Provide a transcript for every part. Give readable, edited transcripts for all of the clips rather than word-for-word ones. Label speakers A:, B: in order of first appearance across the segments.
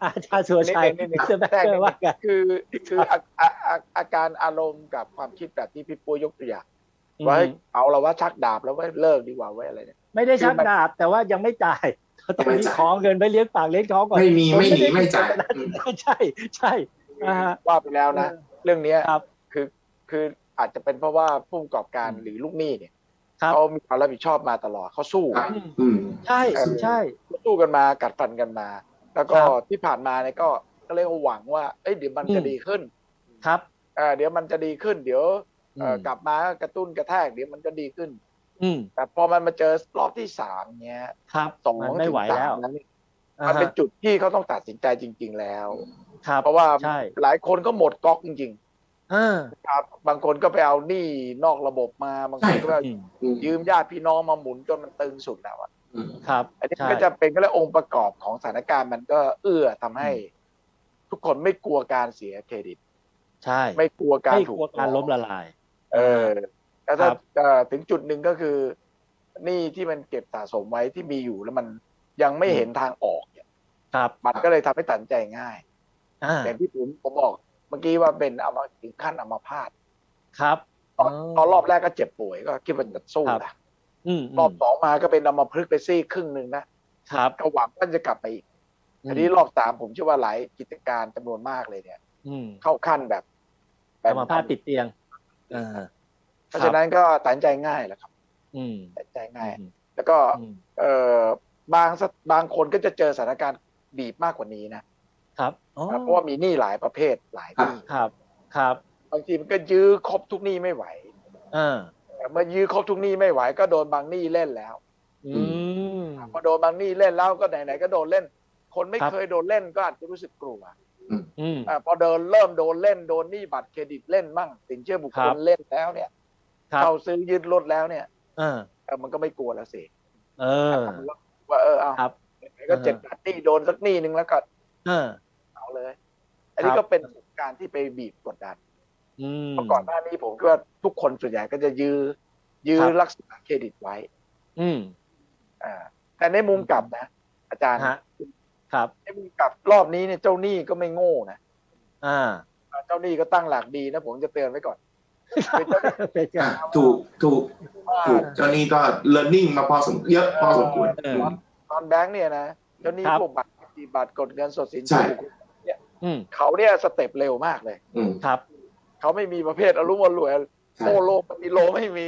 A: อาจารย์สุรชัย
B: นิดนึง
A: มิสเตอร์แบ
B: แทรก
A: เกอ
B: นิด
A: ร์
B: นึ
A: ว่าง กัน
B: คือคือ
A: ครับ
B: อาการอารมณ์กับความคิดแบบที่พี่ปุ้ยยกตัวอย่าง
A: อื
B: ว่า
A: ม
B: เอาเราว่าชักดาบแล้วว่าเลิกดีกว่าไว้อะไรเนี่ย
A: ไม่ได้ชัก
B: คือมัน
A: ดาบแต่ว่ายังไม่จ่ายตอนนี้
C: ยังไม่จ่าย
A: ขอเงินไปเลี้ยงปากเลี้ยงท้องก่อน
C: ไม่มี
A: ผม
C: ไม่หนี
A: ไม่ได้
C: ไม่จ่าย
A: ใช่ใช่ฮะ
B: ว่าไปแล้วนะเรื่องเนี้ย
A: ครับ
B: คือคืออาจจะเป็นเพราะว่าผู้ประกอบการหรือลูกหนี้เนี่ย
A: ครับ
B: เขามีความรับผิดชอบมาตลอดเขาสู้
C: ครับอืม
A: ใช่ใช่
B: สู้กันมากัดฟันกันมา แล้วก็
A: ครับ
B: ที่ผ่านมาเนี่ยก็เรียกว่าหวังว่าเอ้ยเดี๋ยวมันจะดีขึ้น
A: ครับ
B: เดี๋ยวมันจะดีขึ้น เดี๋ยว
A: ม
B: กลับมากระตุ้นกระแทกเดี๋ยวมันจะดีขึ้น
A: อืม
B: แต่พอมันมาเจอรอบที่3เนี้ย
A: ครับ
B: สอง
A: มันไม่
B: ถึง
A: ไหว
B: สา
A: แล้ว
B: มนั้น
A: อ่า
B: มันเป็น
A: ฮะ
B: จุดที่เขาต้องตัดสินใจจริง ๆ แล้ว
A: ครับ
B: เพราะว่า
A: ใช่
B: หลายคนก็หมดก๊อกจริง
A: อ่า
B: ๆครับบางคนก็ไปเอาหนี้นอกระบบมาบางคนก็
A: อืม
B: ยืมญาติพี่น้องมาหมุนจนมันตึงสุดแล้วอะ
A: ครับ
B: อันนี้
A: ใช่
B: ก็จะเป็นก็เลยองค์ประกอบของสถานการณ์มันก็เอื้อทำให้ ทุกคนไม่กลัวการเสียเครดิต
A: ใช่
B: ไม่กลัวการ
A: ไม่
B: ถูก
A: กลัวการล้มละลาย
B: แล้วถ้า
A: ครับ
B: ถึงจุดหนึ่งก็คือหนี้ที่มันเก็บสะสมไว้ที่มีอยู่แล้วมันยังไม่เห็นทางออกเนี่ย
A: ครับ
B: มันก็เลยทำให้ตัดสินใจง่าย
A: อ่า
B: อย่างที่ผมบอกเมื่อกี้ว่าเป็นถึงขั้นอัมพาต
A: ครับ
B: ตอนรอบแรกก็เจ็บป่วยก็คิดว่าจะสู้
A: ครับ
B: นะ
A: อืม
B: รอบ2มาก็เป็นอัมพฤกษ์ไปซี่ครึ่งหนึ่งนะครับ ก็หวังว่าจะกลับไปอีกอันนี้รอบ3ผมเชื่อว่าหลายกิจการจำนวนมากเลยเนี่ย
A: อืม
B: เข้าขั้นแบบ
A: อัมพาตติดเตียงอ่า
B: เพราะฉะนั้นก็ตัดสินใจง่ายแหละครับ
A: อืม
B: ตัดสินใจง่าย
A: อืม
B: แล้วก็
A: อืม
B: บางคนก็จะเจอสถานการณ์บีบมากกว่านี้นะครับ
A: อ๋อ
B: เพราะว่ามีหนี้หลายประเภทหลายหนี้
A: ครับครับ
B: บางทีมันก็ยื้อครบทุกหนี้ไม่ไหว
A: อ่า
B: เมื่อยื้อครบทุกหนี้ไม่ไหวก็โดนบางหนี้เล่นแล้ว
A: อืม
B: พอโดนบางหนี้เล่นแล้วก็ไหนๆก็โดนเล่น คนไม่
A: ครับ
B: เคยโดนเล่นก็อาจจะรู้สึกกลัว
A: อืม
B: พอเริ่มโดนเล่นโดนหนี้บัตรเครดิตเล่นมั่งสินเชื่อบุค
A: ครั
B: คล
A: บ
B: เล่นแล้วเนี่ย
A: ครับ
B: เข้าซื้อยึดรถแล้วเนี่ย
A: อ่า
B: มันก็ไม่กลัวแล้วสิ
A: เออ
B: ว่าเอา
A: ครับ
B: ไหนๆก็7-8หนี้โดนสักหนี้นึงแล้วก็
A: อ่า
B: เอาเลย อันนี้
A: ครับ
B: ก็เป็นการที่ไปบีบกดดัน
A: อืม
B: เมื่อก่อนหน้านี้ผมคิดว่าทุกคนส่วนใหญ่ก็จะยื้อ
A: ครับ
B: รักษาเครดิตไว้
A: อืม
B: แต่ในมุมกลับนะ อาจารย์
A: ฮะครับ
B: ในมุมกลับรอบนี้เนี่ยเจ้าหนี้ก็ไม่โง่นะ
A: อ่า
B: เจ้าหนี้ก็ตั้งหลักดีนะผมจะเตือนไว้ก่อนเป็นเจ้าหนี้
A: เป็นไง
C: ถูก
B: ว่า
C: เจ้านี้ก็ learning มาเยอะพอสมควร
A: เออ
B: ตอนแบงค์เนี่ยนะเจ้าหนี้
A: ครับ
B: พวกบัตรกดเงินสดสิน
C: ใช่
B: เชื่อบุคคลเนี่ย
A: อืม
B: เขาเนี่ยสเต็ปเร็วมากเลย
C: อืม
A: ครับ
B: เขาไม่มีประเภทอารมณ์รวย
C: ใช่
B: โอโลปฏิโลไม่มี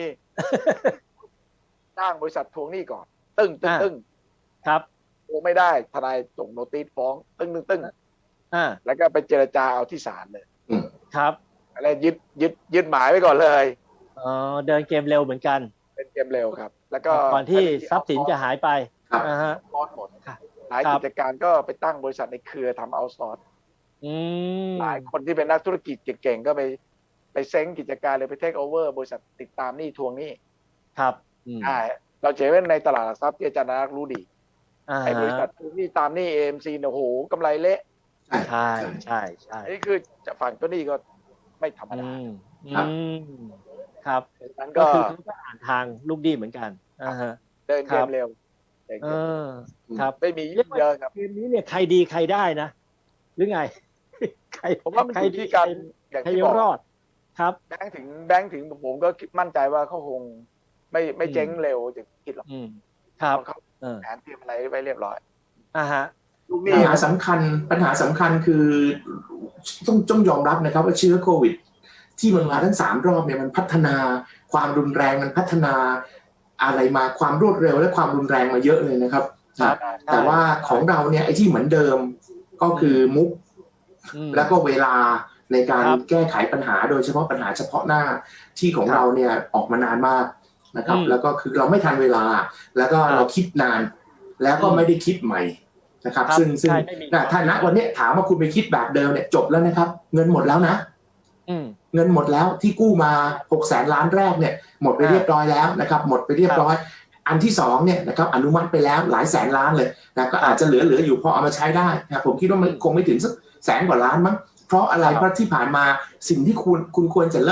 B: จ้างบริษัททวงหนี้ก่อน ตึ้ง
A: ครับ
B: ทวงไม่ได้ทนายส่งโนติสฟ้องตึ้ง
A: อ่า
B: แล้วก็ไปเจรจาเอาที่ศาลเลย
A: ครับ
B: อะไรยึดหมายไว้ก่อนเลย
A: อ๋อเดินเกมเร็วเหมือนกัน
B: เป็นเกมเร็วครับ แล้วก็
A: ก่อนที่ทรัพย์สินจะหายไป
C: ครับ
A: อ่าฮะ
B: ร้อนหมด
A: ครับ
B: หลาย
A: ครับ
B: กิจการก็ไปตั้งบริษัทในเครือทำเอาซอร์ส
A: อืม
B: หลายคนที่เป็นนักธุรกิจเก่งๆก็ไปเซ้งกิจการเลยไปเทคโอเวอร์บริษัทติดตามหนี้ทวงหนี้
A: ครับอืม
B: เราเจอไว้ในตลาดหลักทรัพย์ที่อาจารย์นักรู้ดี
A: อ่า
B: ไอ้บริษัททวงหนี้ตามหนี้ AMC เนี่ยโอ้โหกำไรเละ
A: ใช่ใช่ใช่
B: อันนี้คือจะฝั่งตัวหนี้ก็ไม่ธรรม
A: อื
B: ดา
A: ม
C: ครับ
A: อืมครับ
B: ดังนั้น
A: ก็
B: ก็
A: คือเขาก็อ่านทางลูกดีเหมือนกันอ่าฮะ
B: เดินเก
A: ครั
B: ม
A: บ
B: เร็วเดิน
A: เอ
B: เกม
A: อครับ
B: ไม่มียุ่งเยอะครับ
A: เกมนี้เนี่ยใครดีใครได้นะ หรือไง ใคร
B: ผมว่ามัน
A: ใคร
B: อยู่
A: ดี
B: ที่การ
A: ใคร
B: อย่าง
A: ใคร
B: ที่
A: ยั
B: บ
A: ง
B: อก
A: รอด ครับ
B: แบงค์ถึงผมก็มั่นใจว่าเขาคงไม่เจ๊งเร็วจะคิดหรอก
A: อืมครับ
B: เพราะเขา
A: เออ
B: แผนเตรียมอะไรไว้เรียบร้อย
A: อ่าฮะ
B: ลูกห
C: ปั
B: นี้
C: ญหาสำคัญคือต้องยอมรับนะครับว่าเชื้อโควิด ที่มันมาทั้ง3 รอบเนี่ยมันพัฒนาความรุนแรงมันพัฒนาอะไรมาความรวดเร็วและความรุนแรงมาเยอะเลยนะครับ
A: ครับ
C: แต่ว่าของเราเนี่ยไอ้ที่เหมือนเดิมก็คือมุก
A: อืม
C: แล้วก็เวลาในการ
A: ครับ
C: แก้ไขปัญหาโดยเฉพาะปัญหาเฉพาะหน้าที่ของ
A: ครับ
C: เราเนี่ยออกมานานมากนะครับ
A: อืม
C: แล้วก็คือเราไม่ทันเวลา แล้วก็
A: ครับ
C: เราคิดนาน แล้วก็ไม่ได้คิดใหม่นะครับ
A: ครับ
C: ซึ่ง
A: ใช่ไม่มี
C: ถ้าณวันนี้ถามว่าคุณไปคิดแบบเดิมเนี่ยจบแล้วนะครับ เงินหมดแล้วนะ
A: อืม
C: เงินหมดแล้วที่กู้มา600,000 ล้านแรกเนี่ยหมดไปเรียบร้อยแล้วนะครับหมดไปเรียบร้อย อันที่2เนี่ยนะครับอนุมัติไปแล้วหลายแสนล้านเลยนะก็อาจจะเหลืออยู่พอเอามาใช้ได้นะผมคิดว่ามันคงไม่ถึงสัก100,000 กว่าล้านมั้งเพราะอะไร
A: ครับ
C: เพราะที่ผ่านมาสิ่งที่คุณควรจะเลิก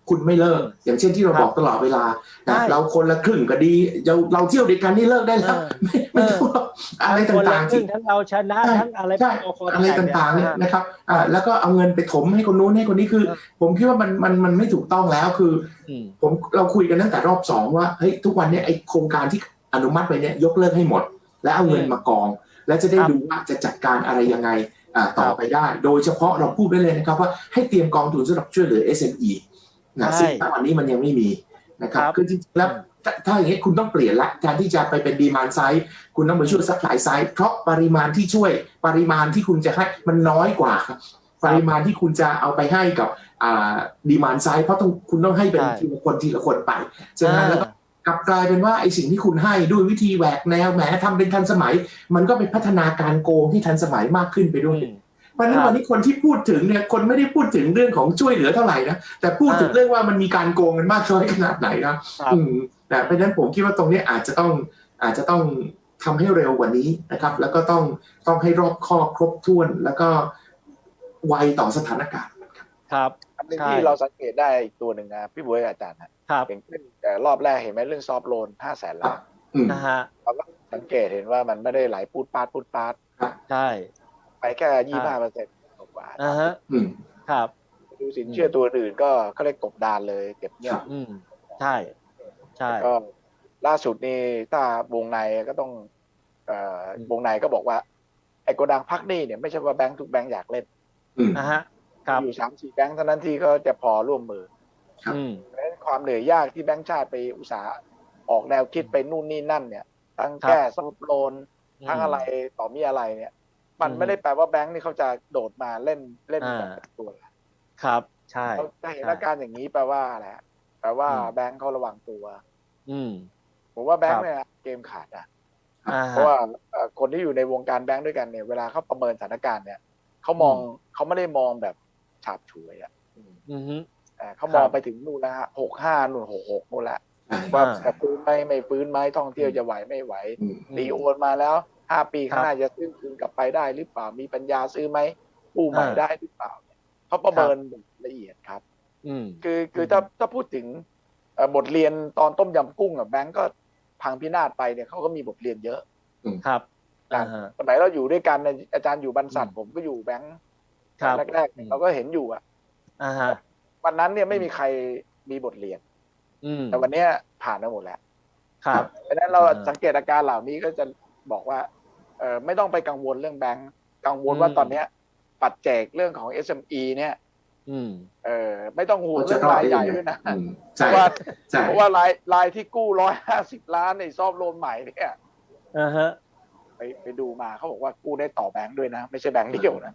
C: คุณไม่เลิกอย่างเช่นที่เราบอกตลอดเวลานะเราคนละครึ่งก็ดีเราเที่ยวด้วยกันนี่เลิกได้แล้วไม่ต้องอะไรต่างๆที่
A: ทั้งเราชนะทั้งอะไร
C: อะไรต่างๆเนี่ยนะครับแล้วก็เอาเงินไปถมให้คนนู้นให้คนนี้คือผมคิดว่ามันไม่ถูกต้องแล้วคือเราคุยกันตั้งแต่รอบ2ว่าเฮ้ยทุกวันนี้ไอโครงการที่อนุมัติไปเนี่ยยกเลิกให้หมดแล้วเอาเงินมากองแล้วจะได้ดูว่าจะจัดการอะไรยังไงต่อไปได้โดยเฉพาะเราพูดได้เลยนะครับว่าให้เตรียมกองทุนสำหรับช่วยเหลือ SME นะซึ่งณวันนี้มันยังไม่มีนะครับคือจริงๆแล้วถ้าอย่างนี้คุณต้องเปลี่ยนละการที่จะไปเป็นดีมานด์ไซด์คุณต้องไปช่วยซัพพลายไซด์เพราะปริมาณที่ช่วยปริมาณที่คุณจะให้มันน้อยกว่าครับปริมาณที่คุณจะเอาไปให้กับดีมานด์ไซด์เพราะคุณต้องให้เป็นทีละคนไปฉะนั้นแล้วก็กลับกลายเป็นว่าไอ้สิ่งที่คุณให้ด้วยวิธีแหวกแนวแหมทำเป็นทันสมัยมันก็เป็นพัฒนาการโกงที่ทันสมัยมากขึ้นไปด้วยเพราะฉะนั้นวันนี้คนที่พูดถึงเนี่ยคนไม่ได้พูดถึงเรื่องของช่วยเหลือเท่าไหร่นะแต่พูดถึงเรื่องว่ามันมีการโกงกันมากน้อยขนาดไหนนะแต่เพราะฉะนั้นผมคิดว่าตรงนี้อาจจะต้องทำให้เร็วกว่านี้นะครับแล้วก็ต้องให้รอบคอบครบถ้วนแล้วก็ไวต่อสถานการณ์
A: ครับ
B: อันนึงที่เราสังเกตได้อีกตัวหนึ่งนะพี่บ๊วยอาจารย์ครับอย่างเช่นรอบแรกเห็นไหมเรื่องซอฟโลน500,000 ล้าน
A: นะฮะ
B: เราก็สังเกตเห็นว่ามันไม่ได้ไหลพูดปาด
A: ใช่
B: ไปแค่25%กว่า
A: ครับ
B: ดูสินเชื่อตัวอื่นก็เขาเรียกกบดานเลยเก็บเงียบ
A: ใช่
B: ก็ล่าสุดนี่ถ้าวงในก็ต้องวงในก็บอกว่าไอ้โกดังพักหนี้เนี่ยไม่ใช่ว่าแบงค์ทุกแบงค์อยากเล่นอยู่ 3-4 แบงค์เท่านั้นที่ก็จะพอร่วมมือเพราะฉะนั้นความเหนื่อยยากที่แบงค์ชาติไปอุตสาห์ออกแนวคิดไปนู่นนี่นั่นเนี่ยทั้งแก้ซอฟต์โลนทั้งอะไรต่อมีอะไรเนี่ยมันไม่ได้แปลว่าแบงค์นี่เขาจะโดดมาเล่นแบบตัว
A: ครับใช่
B: เราจะเห็นอาการอย่างนี้แปลว่าอะไรแปลว่าแบงค์เขาระวังตัวผมว่าแบงค์เนี่ยเกมขาดเพราะว่าคนที่อยู่ในวงการแบงค์ด้วยกันเนี่ยเวลาเขาประเมินสถานการณ์เนี่ยเขาไม่ได้มองแบบฉาบฉวยเขามองไปถึงนู่นแล้วฮะ65นู่น66นู่นละว่าจะฟื้นไหมไม่ฟื้นไหมท่องเที่ยวจะไหวไม่ไหวรีโอนมาแล้ว5 ปีข้างหน้าจะซื้อคืนกลับไปได้หรือเปล่ามีปัญญาซื้อไหมกู้ใหม่ได้หรือเปล่าเขาประเมินละเอียดครับคือถ้าพูดถึงบทเรียนตอนต้มยำกุ้งแบงก์ก็พังพินาศไปเนี่ยเขาก็มีบทเรียนเยอะ
A: ครับ
B: สมัยเราอยู่ด้วยกันอาจารย์อยู่บรรษัทผมก็อยู่แบงก์แรกๆเราก็เห็นอยู่วันนั้นเนี่ยไม่มีใครมีบทเรียนแต่วันนี้ผ่านมาหมดแล้ว
A: ครับ
B: เพราะฉะนั้นเราสังเกตอาการเหล่านี้ก็จะบอกว่าไม่ต้องไปกังวลเรื่องแบงก์กังวลว่าตอนนี้ปัจเจกเรื่องของ SME เนี่ยไม่ต้องห่วงเรื่องรายใหญ่ด้วยนะเพราะว่ารายที่กู้150 ล้านในซอฟโลนใหม่เนี่ยไปดูมาเขาบอกว่ากู้ได้ต่อแบงค์ด้วยนะไม่ใช่แบงค์เดียวนะ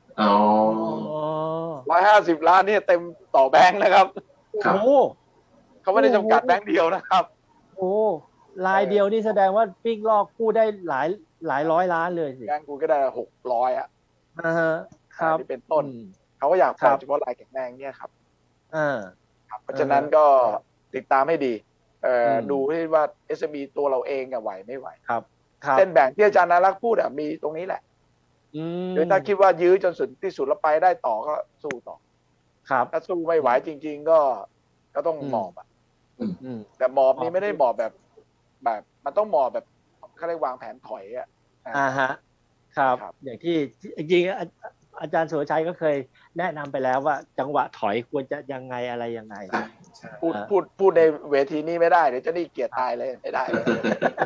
B: 150 ล้านนี่เต็มต่อแบงค์นะครับเขาไม่ได้จำกัดแบงค์เดียวนะครับ
A: รายเดียวนี่แสดงว่าปิ๊กลอกกู้ได้หลายร้อยล้านเลยสิ
B: แบงค์กู้ก็ได้600
A: ครับ
B: ที่เป็นต้นเขาก็อยากปล่อยเฉพาะรายแข็งแรงเนี่ยครับเพราะฉะนั้นก็ติดตามให้ดีดูให้ว่า SME ตัวเราเองไหวไม่ไหว
A: ครับ
B: เส้นแบ่งที่อาจารย์นารักษ์พูดมีตรงนี้แหละหรือถ้าคิดว่ายื้อจนสุดที่สุดแล้วไปได้ต่อก็สู้ต่อ
A: ครับ
B: ถ้าสู้ไม่ไหวจริงๆก็ต้องหมอบแต่หมอบนี้ไม่ได้หมอบแบบมันต้องหมอบแบบเขาเรียกวางแผนถอย
A: ครับอย่างที่จริงๆอาจารย์สุรชัยก็เคยแนะนำไปแล้วว่าจังหวะถอยควรจะยังไงอะไรยังไง
B: พูดในเวทีนี้ไม่ได้เดี๋ยวจะนี่เกลียดตายเลยไม่ได้เลย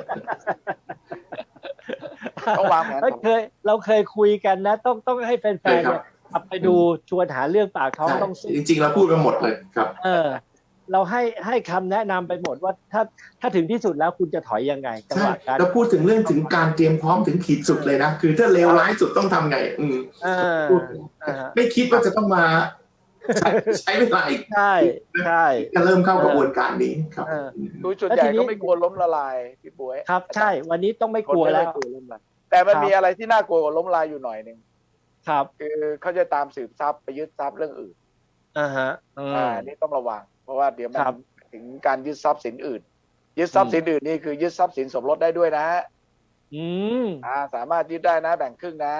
B: ต้องวางแผน
A: เราเคยคุยกันนะต้องให้แฟนๆเนี่ยกลับไปดูชวนหาเรื่องปากท้องต้อง
C: จริงๆเราพูดไปหมดเลยครับ
A: เราให้คำแนะนำไปหมดว่าถ้าถึงที่สุดแล้วคุณจะถอยยังไงจังหวะการ
C: เราพูดถึงเรื่องถึงการเตรียมพร้อมถึงขีดสุดเลยนะคือถ้าเลวร้ายสุดต้องทำไงไม่คิดว่าจะต้องมาใช้เวลาอีก
A: ใช่
C: จะเริ่มเข้ากระบวนการนี้ครับ
B: ดูจุดใหญ่ก็ไม่กลัวล้มละลายพี่ป๋วย
A: ครับใช่วันนี้ต้องไม่กลัวแล้ว
B: แต่มันมีอะไรที่น่ากลัวกว่าล้มละลายอยู่หน่อยนึง
A: ครับ
B: คือเขาจะตามสืบทรัพย์ไปยึดทรัพย์เรื่องอื่นนี่ต้องระวังเพราะว่าเดี๋ยวมันถึงการยึดทรัพย์สินอื่นยึดทรัพย์สินอื่นนี่คือยึดทรัพย์สินสมรสได้ด้วยนะสามารถยึดได้นะแบ่งครึ่งนะ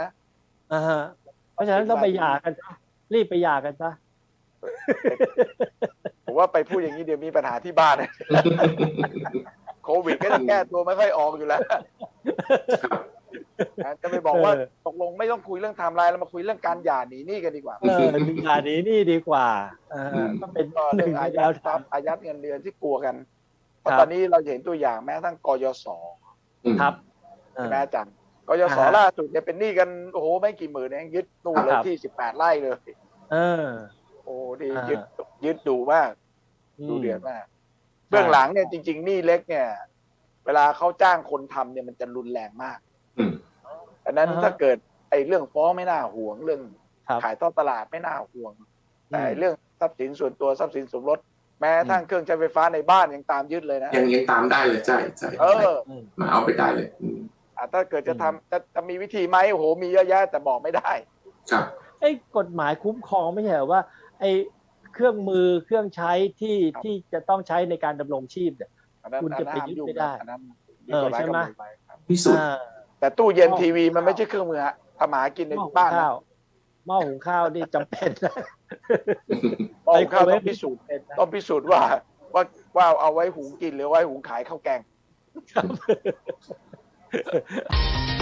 A: เพราะฉะนั้นต้องไปหย่ากันรีบไปหย่ากันซะ
B: ผมว่าไปพูดอย่างนี้เดี๋ยวมีปัญหาที่บ้าน โควิดก็จะแก้ตัวไม่ค่อยออกอยู่แล้วจะไปบอกว่าตกลงไม่ต้องคุยเรื่องไทม์ไลน์เรามาคุยเรื่องการหย่าหนีหนี้กันดีกว่า
A: หย่าหนีหนี้ดีกว่าก็เป็น
B: เรื่องอายัดเงินเดือนที่กลัวกันเพราะตอนนี้เราเห็นตัวอย่างแม้ทั้งกยศ
A: ครับ
B: แม่จังกยศล่าสุดเนี่ยเป็นหนี้กันโอ้โหไม่กี่หมื่นเองยึดนู่นเลยที่18 ไร่เลยโอ้ดียึดดูมากดูเดือดมากเบื้องหลังเนี่ยจริงๆหนี้เล็กเนี่ยเวลาเขาจ้างคนทำเนี่ยมันจะรุนแรงมากดังนั้นถ้าเกิดไอ้เรื่องฟ้องไม่น่าห่วงเรื่องขายทอดตลาดไม่น่าห่วงแต่เรื่องทรัพย์สินส่วนตัวทรัพย์สินสมรสแม้ทั้งเครื่องใช้ไฟฟ้าในบ้านยังตามยึดเลยนะ
C: ยังตามได้เลยใช่มาเอาไปได้เลย
B: ถ้าเกิดจะมีวิธีไหมโอ้โหมีเยอะแยะแต่บอกไม่ได้
C: ครับ
A: ไอ้กฎหมายคุ้มครองไม่ใช่เหรอว่าไอ้เครื่องมือเครื่องใช้ที่จะต้องใช้ในการดำรงชีพเนี่ยคุณจะไปยึดไม่ได้ใช่ไหม
C: พิสูจน์
B: แต่ตู้เย็นทีวีมันไม่ใช่เครื่องมือฮะทำหากินในบ้าน
A: หม้อหุงข้าวนี่จำเป็น
B: หม้อหุงข้าวต้องพิสูจน์ว่าเอาไว้หุงกินหรือไว้หุงขายข้าวแกง